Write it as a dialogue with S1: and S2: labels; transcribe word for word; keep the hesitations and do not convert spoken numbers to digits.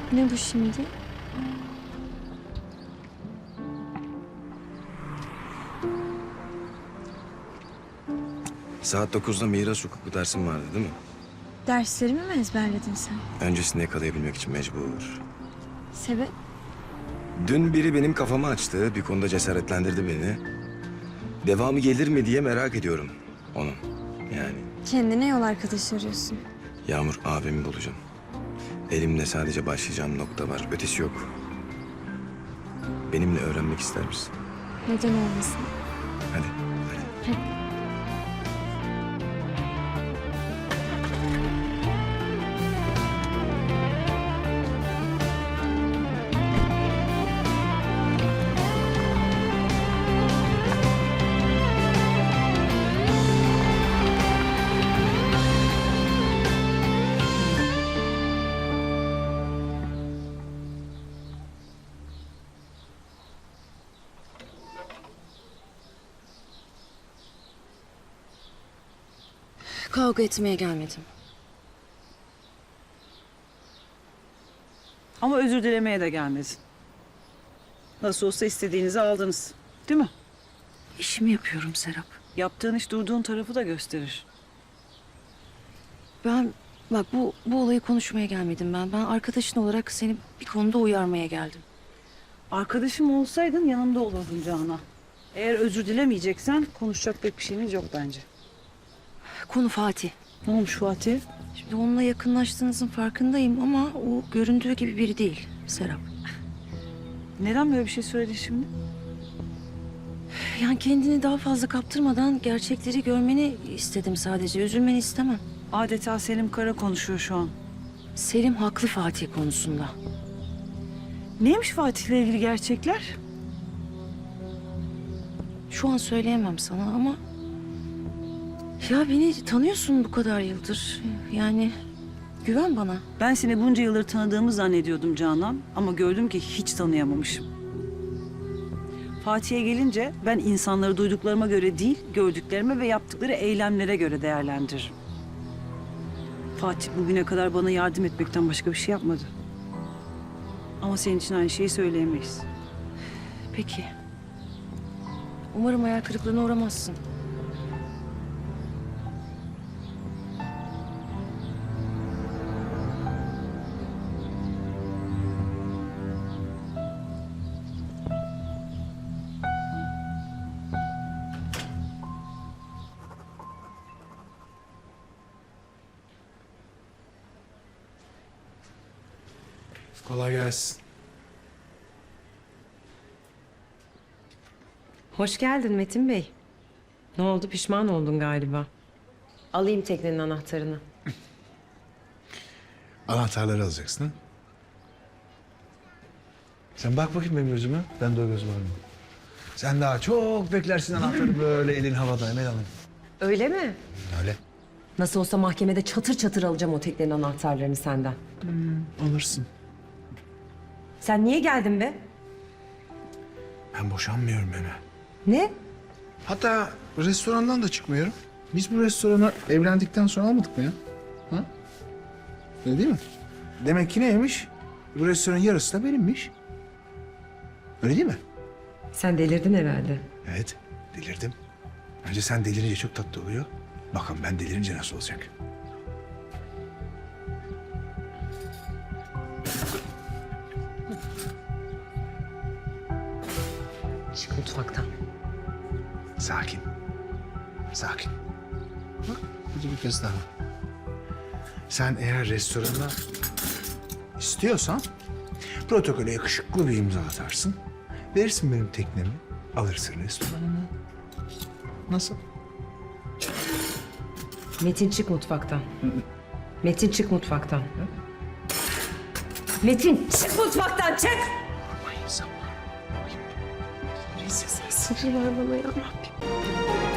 S1: Ne bu şimdi?
S2: Saat dokuzda miras hukuku dersin vardı değil mi?
S1: Derslerimi mi ezberledin sen?
S2: Öncesinde yakalayabilmek için mecbur.
S1: Sebep?
S2: Dün biri benim kafamı açtı. Bir konuda cesaretlendirdi beni. Devamı gelir mi diye merak ediyorum onu. Yani
S1: Kendine yol arkadaşı arıyorsun.
S2: Yağmur abimi bulacağım. Elimde sadece başlayacağım nokta var. Ötesi yok. Benimle öğrenmek ister misin?
S1: Neden olmasın?
S2: Hadi. Hadi.
S1: Hadi.
S3: Kavga etmeye gelmedim.
S4: Ama özür dilemeye de gelmedin. Nasıl olsa istediğinizi aldınız. Değil mi?
S3: İşimi yapıyorum Serap.
S4: Yaptığın iş durduğun tarafı da gösterir.
S3: Ben bak bu bu olayı konuşmaya gelmedim ben. Ben arkadaşın olarak seni bir konuda uyarmaya geldim.
S4: Arkadaşım olsaydın yanımda olurdun Canan. Eğer özür dilemeyeceksen konuşacak pek bir şeyimiz yok bence.
S3: Konu Fatih.
S4: Ne olmuş Fatih?
S3: Şimdi onunla yakınlaştığınızın farkındayım ama o göründüğü gibi biri değil Serap.
S4: Neden böyle bir şey söyledin şimdi?
S3: Yani kendini daha fazla kaptırmadan gerçekleri görmeni istedim sadece. Üzülmeni istemem.
S4: Adeta Selim Kara konuşuyor şu an.
S3: Selim haklı Fatih konusunda.
S4: Neymiş Fatih'le ilgili gerçekler?
S3: Şu an söyleyemem sana ama... Ya beni tanıyorsun bu kadar yıldır. Yani güven bana.
S4: Ben seni bunca yıldır tanıdığımı zannediyordum Canan. Ama gördüm ki hiç tanıyamamışım. Fatih'e gelince ben insanları duyduklarıma göre değil, gördüklerime ve yaptıkları eylemlere göre değerlendiririm. Fatih bugüne kadar bana yardım etmekten başka bir şey yapmadı. Ama senin için aynı şeyi söyleyemeyiz.
S3: Peki. Umarım hayal kırıklığına uğramazsın.
S5: Kolay gelsin.
S6: Hoş geldin Metin Bey. Ne oldu, pişman oldun galiba. Alayım teknenin anahtarını.
S5: Anahtarları alacaksın ha? Sen bak bakayım benim gözüme. Bende o göz var mı? Sen daha çok beklersin anahtarı böyle elin havada Emel Hanım.
S6: Öyle mi?
S5: Öyle.
S6: Nasıl olsa mahkemede çatır çatır alacağım o teknenin anahtarlarını senden.
S5: Alırsın.
S6: Sen niye geldin be?
S5: Ben boşanmıyorum Emel.
S6: Ne?
S5: Hatta restorandan da çıkmıyorum. Biz bu restorana evlendikten sonra almadık mı ya? Ha? Öyle değil mi? Demek ki neymiş? Bu restoranın yarısı da benimmiş. Öyle değil mi?
S6: Sen delirdin herhalde.
S5: Evet, delirdim. Önce sen delirince çok tatlı oluyor. Bakın ben delirince nasıl olacak?
S6: Çık mutfaktan.
S5: Sakin. Sakin. Bak, hadi bir kez daha. Sen eğer restorana istiyorsan protokole yakışıklı bir imza atarsın. Verirsin benim teknemi, alırsın restoranını. Nasıl?
S6: Metin çık mutfaktan. Metin çık mutfaktan. Metin çık mutfaktan, çık!
S5: Aman insan var.
S6: Sabır ver bana ya Rabbim.